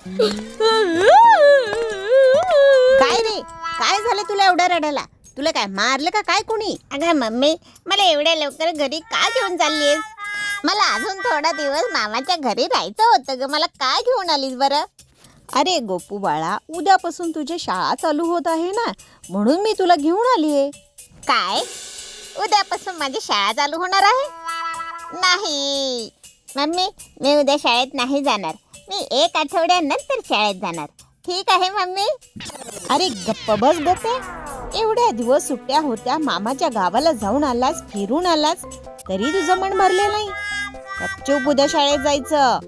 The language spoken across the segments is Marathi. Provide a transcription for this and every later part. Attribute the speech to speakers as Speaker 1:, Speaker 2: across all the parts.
Speaker 1: काय रे, काय झालं तुला एवढा रडायला? तुला काय मारलं का काय कोणी?
Speaker 2: अगं मम्मी, मला एवढ्या लवकर घरी का घेऊन चाललीस? मला अजून थोडा दिवस मामाच्या घरी राहायचं होतं ग. मला का घेऊन आलीस बरं?
Speaker 1: अरे गोपू बाळा, उद्यापासून तुझी शाळा चालू होत आहे ना, म्हणून मी तुला घेऊन आली आहे.
Speaker 2: काय? उद्यापासून माझी शाळा चालू होणार आहे? नाही मम्मी, मी उद्या शाळेत नाही जाणार. मी 1 आठवड्यानंतर शाळेत जाणार. ठीक आहे मम्मी?
Speaker 1: अरे गप्प बस गोपे, एवढ्या दिवस सुट्ट्या होत्या, मामाच्या गावाला जाऊन आलास, फिरून आलास, तरी तुझं मन भरले नाही. गपचूप उद्या शाळेत जायचं.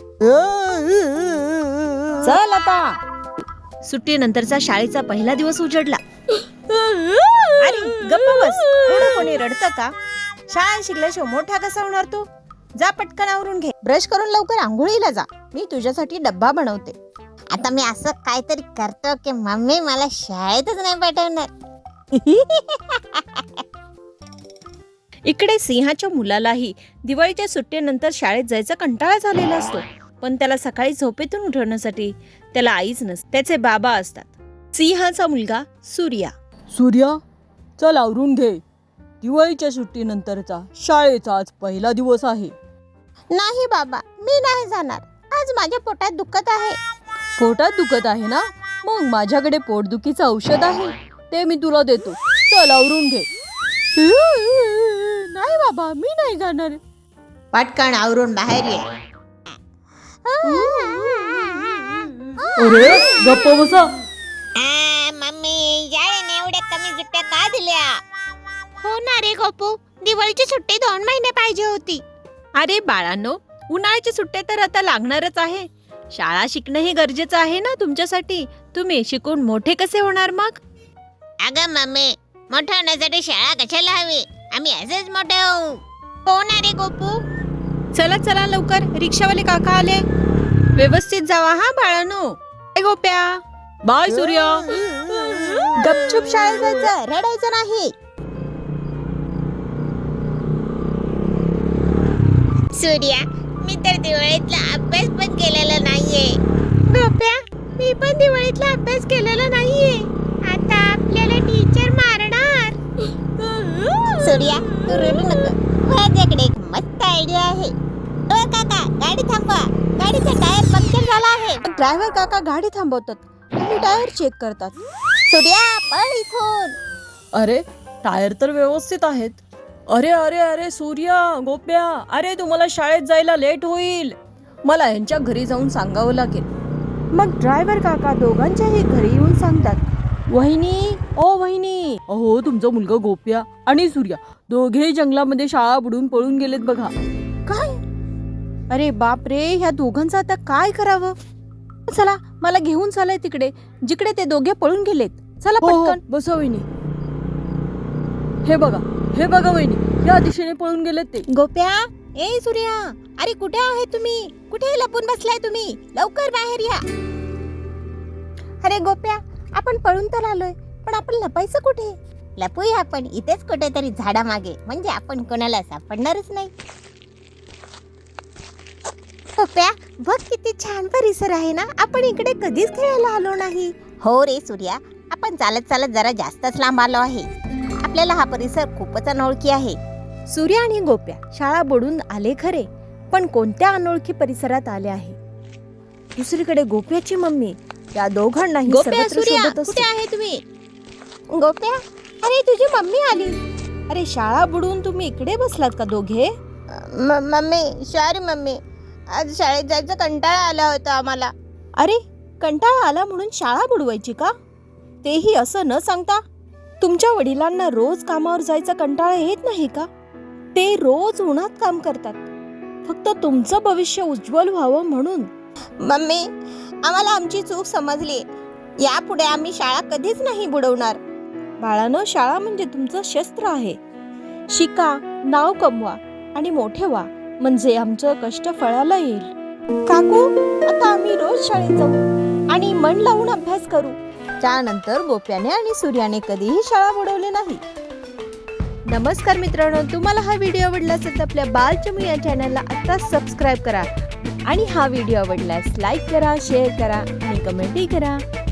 Speaker 1: चल आता. सुट्टीनंतरचा शाळेचा पहिला दिवस उजडला. अरे गप्प बस, एवढं कोणी रडतं का? शाळा शिकल्याशिवाय मोठा कसा होणार तू? जा पटकन आवरून घे, ब्रश करून लवकर आंघोळीला जा. मी तुझ्यासाठी डब्बा बनवते.
Speaker 2: आता मी असं काहीतरी करतो की मम्मी मला शाळेतच नाही पाठवणार.
Speaker 1: इकडे सिंहाच्या मुलालाही दिवाळीच्या सुट्टीनंतर शाळेत जायचा कंटाळा झालेला असतो, पण त्याला सकाळी झोपेतून उठवण्यासाठी त्याला आईच नसते, त्याचे बाबा असतात. सिंहाचा मुलगा सूर्या.
Speaker 3: सूर्या, चल आवरून घे. दिवाळीच्या सुट्टीनंतरचा शाळेचा आज पहिला दिवस आहे.
Speaker 2: नाही बाबा, मी नाही जाणार. आज माझ्या पोटात दुखत आहे.
Speaker 3: पोटात दुखत आहे ना? मग माझ्याकडे पोटदुखीचं औषध आहे, ते मी तुला देतो. चल आवरून घे. नाही बाबा, मी नाही जाणार.
Speaker 1: पटकन आवरून बाहेर ये.
Speaker 3: अरे गप्प बसा.
Speaker 2: मम्मी, शाळेने एवढ्या कमी सुट्ट्या का दिल्या? हो ना रे गोपू, दिवाळीची सुट्टी 2 महिने पाहिजे होती.
Speaker 1: अरे बाळांनो, उन्हाळ्याची सुट्ट्या तर आता लागणारच आहे. शाळा शिकणं हे गरजेचं आहे ना तुमच्यासाठी. तुम्ही शिकून मोठे कसे होणार मग?
Speaker 2: अगं मम्मी, मोठं होण्यासाठी शाळा कशाला हवी? आम्ही असेच मोठे होऊ. हो ना रे गोपू?
Speaker 1: चला चला लवकर, रिक्षावाले काका आले. व्यवस्थित जावा हा बाळांनो. ए गोप्या.
Speaker 3: बाय सूर्या.
Speaker 1: गपचूप शाळेत जायचं, रडायचं नाही.
Speaker 2: सूर्या, मी तर दिवाळीतला अभ्यास पण केलेला नाहीये. गोप्या, मी पण दिवाळीतला अभ्यास केलेला नाहीये. आता आपल्याला टीचर मारणार. सूर्या, तू रडू नको. माझ्याकडे एक मस्त आयडिया आहे. ओ काका, गाडी थांबवा. गाडीचा टायर पंक्चर झाला आहे.
Speaker 1: ड्रायव्हर काका गाडी थांबवतात आणि टायर चेक करतात.
Speaker 2: सूर्या, पळ इथून.
Speaker 3: अरे टायर तर व्यवस्थित आहेत. अरे अरे अरे सूर्या, गोप्या, अरे तुम्हाला शाळेत जायला लेट होईल. मला यांच्या घरी जाऊन सांगावं लागेल.
Speaker 1: मग ड्रायव्हर काका दोघांच्याही घरी येऊन सांगतात, वहिनी, ओ वहिनी.
Speaker 3: अहो, तुमचा मुलगा गोप्या आणि सूर्या दोघेही जंगलामध्ये शाळा बुडून पळून गेलेत बघा.
Speaker 1: काय? अरे बाप रे, ह्या दोघांचं आता काय करावं? चला, मला घेऊन चालाय तिकडे, जिकडे ते दोघे पळून गेलेत. चला
Speaker 3: हो,
Speaker 1: पटकन.
Speaker 3: बसा वहिनी. हे बघा वहिनी, या दिशेने पळून गेलेत ते.
Speaker 1: गोप्या, ए सूर्या, अरे कुठे आहे तुम्ही? कुठे लपून बसलाय तुम्ही? लवकर बाहेर या. अरे गोप्या, आपण पळून तर आलोय, पण आपण लपायचं कुठे?
Speaker 2: लपूया आपण इथेच कुठेतरी झाडामागे, म्हणजे आपण कोणाला सापडणारच नाही.
Speaker 1: गोप्या, बघ किती छान परिसर आहे ना. आपण इकडे कधीच खेळायला आलो नाही.
Speaker 2: हो रे सूर्या, आपण चालत चालत जरा जास्तच लांब आलो आहे. आपल्याला हा परिसर खूपच अनोळखी आहे.
Speaker 1: सूर्या आणि गोप्या शाळा बुडून आले खरे, पण कोणत्या अनोळखी परिसरात आले आहे. दुसरीकडे गोप्याची मम्मी त्या दोघांनाही
Speaker 2: गोप्या,
Speaker 1: सर्वत्र
Speaker 2: सूर्या,
Speaker 1: शोधत असते.
Speaker 2: कुठे आहे तुम्ही?
Speaker 1: गोप्या, अरे तुझी मम्मी आली. अरे शाळा बुडून तुम्ही इकडे बसलात का दोघे?
Speaker 2: मम्मी, सॉरी मम्मी, आज शाळेत जायचा कंटाळा आला होता आम्हाला.
Speaker 1: अरे कंटाळा आला म्हणून शाळा बुडवायची का? तेही असं न सांगता. तुमच्या वडिलांना रोज कामावर जायचा कंटाळा येत नाही का? ते रोज उन्हात काम करतात, फक्त तुमचं भविष्य उज्ज्वल व्हावं म्हणून.
Speaker 2: मम्मी, आम्हाला आमची चूक समजली. यापुढे आम्ही शाळा कधीच नाही बुडवणार.
Speaker 1: बाळानं, शाळा म्हणजे तुमचं शस्त्र आहे. शिका, नाव कमवा आणि मोठे व्हा, म्हणजे आमचं कष्ट फळाला येईल. काकू, आता आम्ही रोज शाळेत जाऊ आणि मन लावून अभ्यास करू. त्यानंतर गोप्याने आणि सूर्याने कधीही शाळा बुडवली नाही. नमस्कार मित्रांनो, तुम्हाला हा व्हिडिओ आवडला असेल तर आपल्या बालचमू या चॅनलला आता सबस्क्राईब करा. आणि हा व्हिडिओ आवडल्यास लाईक करा, शेअर करा आणि कमेंटही करा.